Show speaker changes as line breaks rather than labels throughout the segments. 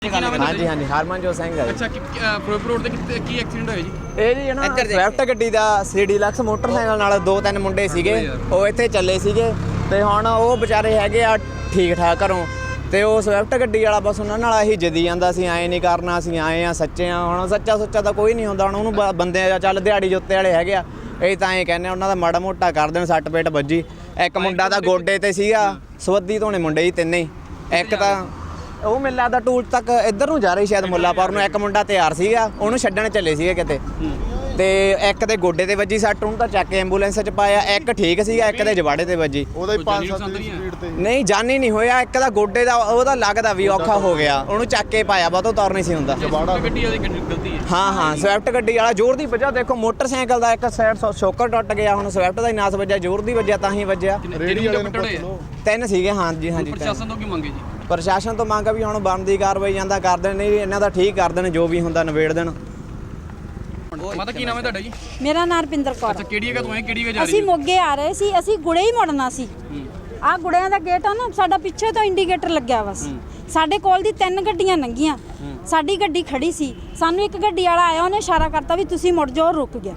हाँ जी हाँ जी हरमनजोत सिंह है।
अच्छा ਫਿਰੋਜ਼ਪੁਰ ਰੋਡ ਤੇ ਕੀ ਐਕਸੀਡੈਂਟ ਹੋਇਆ ਜੀ?
ਇਹ ਜੀ ਨਾ ਸਵਿਫਟ ਗੱਡੀ ਦਾ ਸੀ ਡੀਲਕਸ ਮੋਟਰਸਾਈਕਲ ਨਾਲ ਦੋ ਤਿੰਨ ਮੁੰਡੇ ਸੀਗੇ, ਉਹ ਇੱਥੇ ਚੱਲੇ ਸੀਗੇ ਤੇ ਹੁਣ ਉਹ ਵਿਚਾਰੇ ਹੈਗੇ ਆ ਠੀਕ ਠਾਕ ਘਰੋਂ, ਤੇ ਉਹ ਸਵਿਫਟ ਗੱਡੀ ਵਾਲਾ ਬਸ ਉਹਨਾਂ ਨਾਲ ਇਹੀ ਜਿੱਦੀ ਜਾਂਦਾ ਸੀ ਐਂ ਨਹੀਂ ਕਰਨਾ, ਅਸੀਂ ਆਏ ਆ ਸੱਚੇ ਆ। ਹੁਣ ਸੱਚਾ ਸੁੱਚਾ ਤਾਂ ਕੋਈ ਨਹੀਂ ਹੁੰਦਾ, ਹੁਣ ਉਹਨੂੰ ਬੰਦੇ ਚੱਲ ਦਿਹਾੜੀ ਜੁੱਤੇ ਵਾਲੇ ਹੈਗੇ ਆ, ਇਹ ਤਾਂ ਐਂ ਕਹਿੰਦੇ ਉਹਨਾਂ ਦਾ ਮਾੜਾ ਮੋਟਾ ਕਰ ਦੇਣ। ਸੱਟ ਪੇਟ ਵੱਜੀ, ਇੱਕ ਮੁੰਡਾ ਤਾਂ ਗੋਡੇ ਤੇ ਸੀਗਾ, ਸਵੱਦੀ ਧੋਣੇ ਮੁੰਡੇ ਜੀ ਤਿੰਨੇ ਹੀ। ਇੱਕ ਤਾਂ ਉਹ ਮੈਨੂੰ ਲੱਗਦਾ ਟੂਲ ਤੱਕ ਇੱਧਰ ਨੂੰ ਜਾ ਰਹੀ ਸ਼ਾਇਦ ਮੁੱਲਾਪੁਰ ਨੂੰ, ਇੱਕ ਮੁੰਡਾ ਤਿਆਰ ਸੀਗਾ ਉਹਨੂੰ ਛੱਡਣ ਚੱਲੇ ਸੀਗੇ ਕਿਤੇ, ਤੇ ਇੱਕ ਦੇ ਗੋਡੇ ਤੇ ਵੱਜੀ ਸੱਟ, ਉਹਨੂੰ ਤਾਂ ਚੱਕ ਕੇ ਐਂਬੂਲੈਂਸ 'ਚ ਪਾਇਆ। ਇੱਕ ਠੀਕ ਸੀਗਾ, ਇੱਕ ਦੇ ਜਵਾੜੇ ਤੇ ਵੱਜੀ।
ਉਹਦਾ ਹੀ 5-7 ਦੀ ਸਪੀਡ ਤੇ
ਨਹੀਂ ਜਾਨੀ ਨਹੀਂ ਹੋਇਆ, ਇੱਕ ਦਾ ਗੋਡੇ ਦਾ ਉਹਦਾ ਲੱਗਦਾ ਵੀ ਔਖਾ ਹੋ ਗਿਆ, ਉਹਨੂੰ ਚੱਕ ਕੇ ਪਾਇਆ, ਬਹੁਤੋਂ ਤੌਰ ਨਹੀਂ ਸੀ ਹੁੰਦਾ।
ਗੱਡੀ ਵਾਲੀ ਗਲਤੀ ਹੈ।
ਹਾਂ ਸਵਿਫਟ ਗੱਡੀ ਵਾਲਾ ਜ਼ੋਰ ਦੀ ਵੱਜਾ, ਦੇਖੋ ਮੋਟਰਸਾਈਕਲ ਦਾ ਇੱਕ ਸਾਈਡ ਸ਼ੋਕਰ ਟੁੱਟ ਗਿਆ, ਹੁਣ ਸਵਿਫਟ ਦਾ ਹੀ ਨਾਸ ਵੱਜਿਆ, ਜ਼ੋਰ ਦੀ ਵੱਜਿਆ ਤਾਂ ਹੀ ਵੱਜਿਆ।
ਰੇੜੀ ਵਾਲੇ ਨੂੰ ਪੁੱਛ ਲਓ।
ਤਿੰਨ ਸੀਗੇ ਹਾਂਜੀ ਹਾਂਜੀ।
ਪ੍ਰਸ਼ਾਸਨ ਤੋਂ ਕੀ ਮੰਗੇ ਜੀ?
ਪ੍ਰਸ਼ਾਸਨ ਤੋਂ ਮੰਗ ਵੀ ਹੁਣ ਬਣਦੀ ਕਾਰਵਾਈ ਜਾਂਦਾ ਕਰ ਦੇਣ, ਨਹੀਂ ਇਹਨਾਂ ਦਾ ਠੀਕ ਕਰ ਦੇਣ, ਜੋ ਵੀ ਹੁੰਦਾ ਨਿਬੇੜ ਦੇਣ।
ਮਾਤਾ ਕੀ ਨਾਮ ਹੈ ਤੁਹਾਡਾ ਜੀ?
ਮੇਰਾ ਨਾਮ ਰਪਿੰਦਰ ਕੌਰ।
ਅੱਛਾ ਕਿਹੜੀ ਜਗ੍ਹਾ ਤੋਂ ਆਏ, ਕਿਹੜੀ ਜਗ੍ਹਾ ਜਾ ਰਹੀ
ਅਸੀਂ ਮੋਗੇ ਆ ਰਹੇ ਸੀ, ਅਸੀਂ ਗੁੜੇ ਹੀ ਮੁੜਨਾ ਸੀ। ਆਹ ਗੁੜਿਆਂ ਦਾ ਗੇਟ ਆ ਨਾ ਸਾਡਾ, ਪਿੱਛੇ ਤੋਂ ਇੰਡੀਕੇਟਰ ਲੱਗਿਆ ਬਸ। ਸਾਡੇ ਕੋਲ ਦੀ ਤਿੰਨ ਗੱਡੀਆਂ ਲੰਘੀਆਂ, ਸਾਡੀ ਗੱਡੀ ਖੜੀ ਸੀ, ਸਾਨੂੰ ਇੱਕ ਗੱਡੀ ਵਾਲਾ ਆਇਆ, ਉਹਨੇ ਇਸ਼ਾਰਾ ਕਰਤਾ ਵੀ ਤੁਸੀਂ ਮੁੜ ਜਾਓ, ਰੁਕ ਗਿਆ।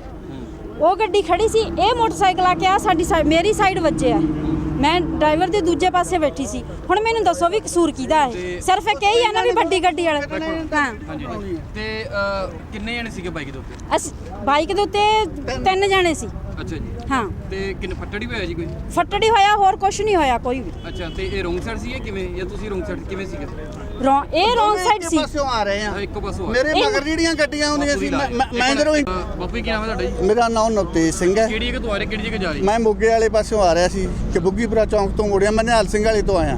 ਉਹ ਗੱਡੀ ਖੜੀ ਸੀ, ਇਹ ਮੋਟਰਸਾਈਕਲ ਆ ਕੇ ਆ ਸਾਡੀ ਮੇਰੀ ਸਾਈਡ ਵੱਜਿਆ, ਮੈਂ ਡਰਾਈਵਰ ਦੇ ਦੂਜੇ ਪਾਸੇ ਬੈਠੀ ਸੀ। ਹੁਣ ਮੈਨੂੰ ਦੱਸੋ ਵੀ ਕਸੂਰ ਕਿਹਦਾ ਹੈ? ਸਿਰਫ ਇੱਕ ਇਹੀ ਹੈ ਨਾ ਵੀ ਵੱਡੀ ਗੱਡੀ ਵਾਲੇ। ਹਾਂ
ਹਾਂਜੀ। ਤੇ ਕਿੰਨੇ ਜਣੇ ਸੀਗੇ ਬਾਈਕ ਦੇ ਉੱਤੇ?
ਅਸੀਂ ਬਾਈਕ ਦੇ ਉੱਤੇ ਤਿੰਨ ਜਣੇ ਸੀ।
ਅੱਛਾ ਜੀ।
ਹਾਂ।
ਤੇ ਕਿੰਨੇ ਫੱਟੜੀ ਹੋਇਆ ਜੀ ਕੋਈ?
ਫੱਟੜੀ ਹੋਇਆ, ਹੋਰ ਕੁਝ ਨਹੀਂ ਹੋਇਆ ਕੋਈ ਵੀ।
ਅੱਛਾ ਤੇ ਇਹ ਰੋਂਗ ਸਾਈਡ ਸੀ ਜਾਂ ਕਿਵੇਂ, ਜਾਂ ਤੁਸੀਂ ਰੋਂਗ ਸਾਈਡ ਕਿਵੇਂ ਸੀਗੇ?
ਇਹ ਰੋਂਗ ਸਾਈਡ ਸੀ।
ਪਾਸਿਓਂ ਆ ਰਹੇ ਆ,
ਇੱਕ ਪਾਸੋਂ
ਮੇਰੇ ਮਗਰ ਜਿਹੜੀਆਂ ਗੱਡੀਆਂ ਆਉਂਦੀਆਂ ਸੀ ਮੈਂ ਜਦੋਂ
ਬਾਪੂ ਕੀ ਨਾਮ ਹੈ ਤੁਹਾਡਾ ਜੀ?
ਮੇਰਾ ਨਾਮ ਨਵਤੇਜ ਸਿੰਘ ਹੈ।
ਕਿਹੜੀ ਜਗ੍ਹਾ ਤੋਂ ਆ ਰਹੇ, ਕਿਹੜੀ ਜਗ੍ਹਾ ਜਾ ਰਹੇ?
ਮੈਂ ਮੋਗੇ ਵਾਲੇ ਪਾਸਿਓਂ ਆ ਰਿਹਾ ਸੀ ਕਿ ਬੁੱਗੀਪੁਰਾ ਚੌਂਕ ਤੋਂ ਮੁੜਿਆ, ਮੈਂ ਨਿਹਾਲ ਸਿੰਘ ਵਾਲੇ ਤੋਂ ਆਇਆ।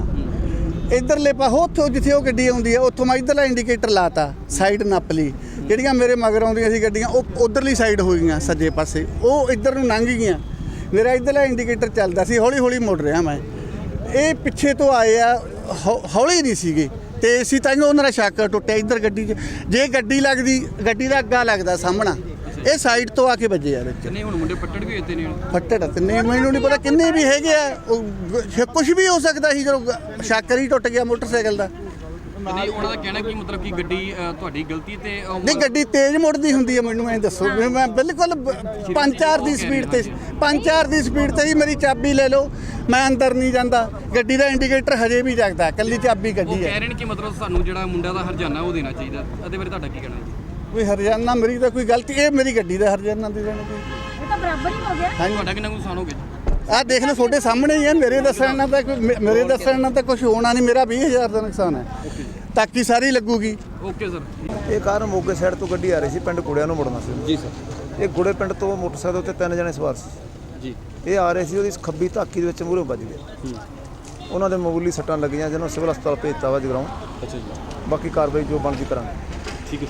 ਇੱਧਰਲੇ ਪਾਸੋਂ ਉੱਥੋਂ ਜਿੱਥੇ ਉਹ ਗੱਡੀ ਆਉਂਦੀ ਹੈ ਉੱਥੋਂ ਮੈਂ ਇੱਧਰਲਾ ਇੰਡੀਕੇਟਰ ਲਾਤਾ, ਸਾਈਡ ਨੱਪ ਲਈ। ਜਿਹੜੀਆਂ ਮੇਰੇ ਮਗਰ ਆਉਂਦੀਆਂ ਸੀ ਗੱਡੀਆਂ ਉਹ ਉੱਧਰਲੀ ਸਾਈਡ ਹੋ ਗਈਆਂ ਸੱਜੇ ਪਾਸੇ, ਉਹ ਇੱਧਰ ਨੂੰ ਲੰਘ ਗਈਆਂ। ਮੇਰਾ ਇੱਧਰਲਾ ਇੰਡੀਕੇਟਰ ਚੱਲਦਾ ਸੀ, ਹੌਲੀ ਹੌਲੀ ਮੁੜ ਰਿਹਾ ਮੈਂ। ਇਹ ਪਿੱਛੇ ਤੋਂ ਆਏ ਆ, ਹੌਲੀ ਨਹੀਂ ਸੀਗੇ ਤੇ ਅਸੀਂ ਤਾਂ ਉਹਨਾਂ ਦਾ ਸ਼ੱਕ ਟੁੱਟਿਆ ਇੱਧਰ ਗੱਡੀ 'ਚ। ਜੇ ਗੱਡੀ ਲੱਗਦੀ, ਗੱਡੀ ਦਾ ਅੱਗਾ ਲੱਗਦਾ ਸਾਹਮਣਾ, ਇਹ ਸਾਈਡ ਤੋਂ ਆ ਕੇ ਵੱਜੇ ਆ ਵਿੱਚ।
ਨਹੀਂ ਹੁਣ ਮੁੰਡੇ ਫੱਟੜ ਵੀ ਹੋਏ ਨੇ।
ਫੱਟੜ ਤਿੰਨੇ, ਮੈਨੂੰ ਨਹੀਂ ਪਤਾ ਕਿੰਨੇ ਵੀ ਹੈਗੇ ਆ, ਕੁਝ ਵੀ ਹੋ ਸਕਦਾ ਸੀ ਜਦੋਂ ਸ਼ਾਕਰ ਹੀ ਟੁੱਟ ਗਿਆ ਮੋਟਰਸਾਈਕਲ ਦਾ।
ਨਹੀਂ ਉਹਨਾਂ ਦਾ ਕਹਿਣਾ ਕੀ ਮਤਲਬ ਕਿ ਗੱਡੀ ਤੁਹਾਡੀ ਗਲਤੀ ਤੇ
ਨਹੀਂ ਗੱਡੀ ਤੇਜ਼ ਮੁੜਦੀ ਹੁੰਦੀ ਹੈ, ਮੈਨੂੰ ਐਂ ਦੱਸੋ ਵੀ ਮੈਂ ਬਿਲਕੁਲ 5-4 ਦੀ ਸਪੀਡ ਤੇ 5-4 ਦੀ ਸਪੀਡ ਤੇ ਹੀ ਮੇਰੀ ਚਾਬੀ ਲੈ ਲਓ, ਮੈਂ ਅੰਦਰ ਨਹੀਂ ਜਾਂਦਾ। ਗੱਡੀ ਦਾ ਇੰਡੀਕੇਟਰ ਹਜੇ ਵੀ ਜਗਦਾ, ਕੱਲੀ ਚਾਬੀ ਗੱਡੀ ਹੈ।
ਕਹਿ ਰਹੇ ਨੇ ਕਿ ਮਤਲਬ ਸਾਨੂੰ ਜਿਹੜਾ ਮੁੰਡਾ ਦਾ ਹਰਜਾਨਾ ਉਹ ਦੇਣਾ ਚਾਹੀਦਾ, ਇਹਦੇ ਬਾਰੇ ਤੁਹਾਡਾ ਕੀ ਕਹਿਣਾ ਹੈ?
ਕੋਈ ਹਰਜਾਨਾ ਮੇਰੀ ਤਾਂ ਕੋਈ ਗਲਤੀ, ਇਹ ਮੇਰੀ ਗੱਡੀ ਦਾ ਹਰਜਾਨਾ ਦੇ ਦੇਣਾ ਕੋਈ।
ਇਹ ਤਾਂ ਬਰਾਬਰ ਹੀ ਹੋ ਗਿਆ।
ਤੁਹਾਡਾ ਕਿੰਨਾ ਕੁ ਨੁਕਸਾਨ ਹੋ ਗਿਆ?
ਆਹ ਦੇਖ ਲਓ ਤੁਹਾਡੇ ਸਾਹਮਣੇ ਹੀ ਹੈ, ਮੇਰੇ ਦੱਸਣ ਨਾਲ ਤਾਂ ਕੁਝ ਹੋਣਾ ਨਹੀਂ। ਮੇਰਾ 20,000 ਦਾ ਨੁਕਸਾਨ ਹੈ, ਤਾਕੀ ਸਾਰੀ ਲੱਗੂਗੀ।
Okay sir.
ਇਹ ਕਾਰ ਮੋਗੇ ਸਾਈਡ ਤੋਂ ਗੱਡੀ ਆ ਰਹੀ ਸੀ, ਪਿੰਡ ਗੁੜਿਆਂ ਨੂੰ ਮੁੜਨਾ ਸੀ
ਜੀ ਸਰ।
ਇਹ ਗੁੜੇ ਪਿੰਡ ਤੋਂ ਮੋਟਰਸਾਈਕਲ ਉੱਤੇ ਤਿੰਨ ਜਣੇ ਸਵਾਰ ਸੀ
ਜੀ।
ਇਹ ਆ ਰਹੇ ਸੀ, ਉਹਦੀ ਖੱਬੀ ਧਾਕੀ ਦੇ ਵਿੱਚ ਮੂਹਰੇ ਵੱਜ ਗਏ। ਉਹਨਾਂ ਦੇ ਮਾਮੂਲੀ ਸੱਟਾਂ ਲੱਗੀਆਂ, ਜਿਹਨਾਂ ਨੂੰ ਸਿਵਲ ਹਸਪਤਾਲ ਭੇਜਤਾ ਵਾ ਜਗਰਾਉਂ।
ਅੱਛਾ ਜੀ।
ਬਾਕੀ ਕਾਰਵਾਈ ਜੋ ਬਣਦੀ ਕਰਾਂਗੇ।